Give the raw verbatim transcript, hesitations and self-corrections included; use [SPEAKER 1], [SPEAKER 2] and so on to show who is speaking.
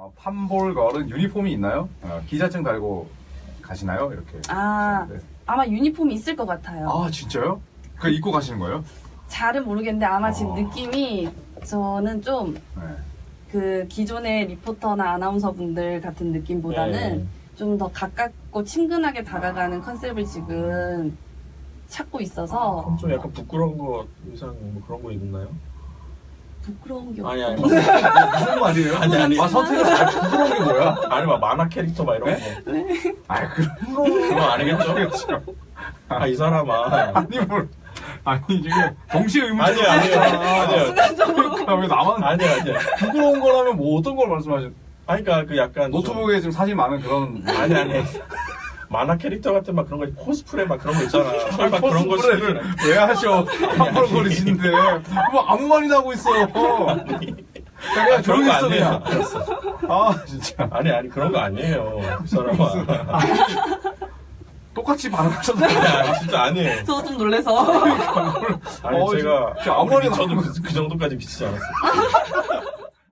[SPEAKER 1] 어, 팜볼걸은 유니폼이 있나요? 어, 기자증 달고 가시나요? 이렇게.
[SPEAKER 2] 아,
[SPEAKER 1] 하시는데.
[SPEAKER 2] 아마 유니폼이 있을 것 같아요.
[SPEAKER 1] 아 진짜요? 그 입고 가시는 거예요?
[SPEAKER 2] 잘은 모르겠는데 아마 지금
[SPEAKER 1] 어.
[SPEAKER 2] 느낌이 저는 좀
[SPEAKER 1] 네.
[SPEAKER 2] 그 기존의 리포터나 아나운서 분들 같은 느낌보다는
[SPEAKER 3] 네.
[SPEAKER 2] 좀 더 가깝고 친근하게 다가가는 컨셉을 지금 찾고 있어서
[SPEAKER 3] 그럼 좀 약간 부끄러운 거 의상 뭐 그런 거 입나요?
[SPEAKER 2] 부끄러운 게
[SPEAKER 3] 아니 아니
[SPEAKER 1] 무슨 말이에요?
[SPEAKER 3] 아니, 아니.
[SPEAKER 1] 아 선택을 잘 부끄러운 게 뭐야?
[SPEAKER 3] 아니 막 만화 캐릭터 막 이런
[SPEAKER 1] 네?
[SPEAKER 3] 거.
[SPEAKER 1] 아 그런
[SPEAKER 3] 그거 아니겠죠? 아 이 사람아.
[SPEAKER 1] 아니 뭘 아니 지금 동시에 의문
[SPEAKER 3] 아니요 아니요 아니요.
[SPEAKER 2] 순간적으로
[SPEAKER 1] 왜 나만
[SPEAKER 3] 아니요 아니요.
[SPEAKER 1] 부끄러운 거라면 뭐 어떤 걸 말씀하신?
[SPEAKER 3] 아니 그러니까 그 약간
[SPEAKER 1] 노트북에 지금 사진 많은 그런
[SPEAKER 3] 좀, 아니 아니. 만화 캐릭터 같은 막 그런 거 코스프레 막 그런 거 있잖아. 설마 그런 거
[SPEAKER 1] 코스프레를
[SPEAKER 3] 시키는-
[SPEAKER 1] 왜 하셔? 깜빡거리시는데 뭐 아무 말이나 하고 있어. 그냥
[SPEAKER 3] 그런
[SPEAKER 1] 조용히
[SPEAKER 3] 거
[SPEAKER 1] 있어
[SPEAKER 3] 아니에요.
[SPEAKER 1] 그냥. 아 진짜
[SPEAKER 3] 아니 아니 그런 거 아니에요. 이 사람아.
[SPEAKER 1] 똑같이 반응하셨는데.
[SPEAKER 3] 아니, 아니 진짜 아니에요.
[SPEAKER 2] 저도 좀 놀래서
[SPEAKER 3] 아니
[SPEAKER 1] 어,
[SPEAKER 3] 제가
[SPEAKER 1] 진짜 아무
[SPEAKER 3] 아무리
[SPEAKER 1] 말이나
[SPEAKER 3] 미쳐도 그, 그 정도까지 미치지 않았어요.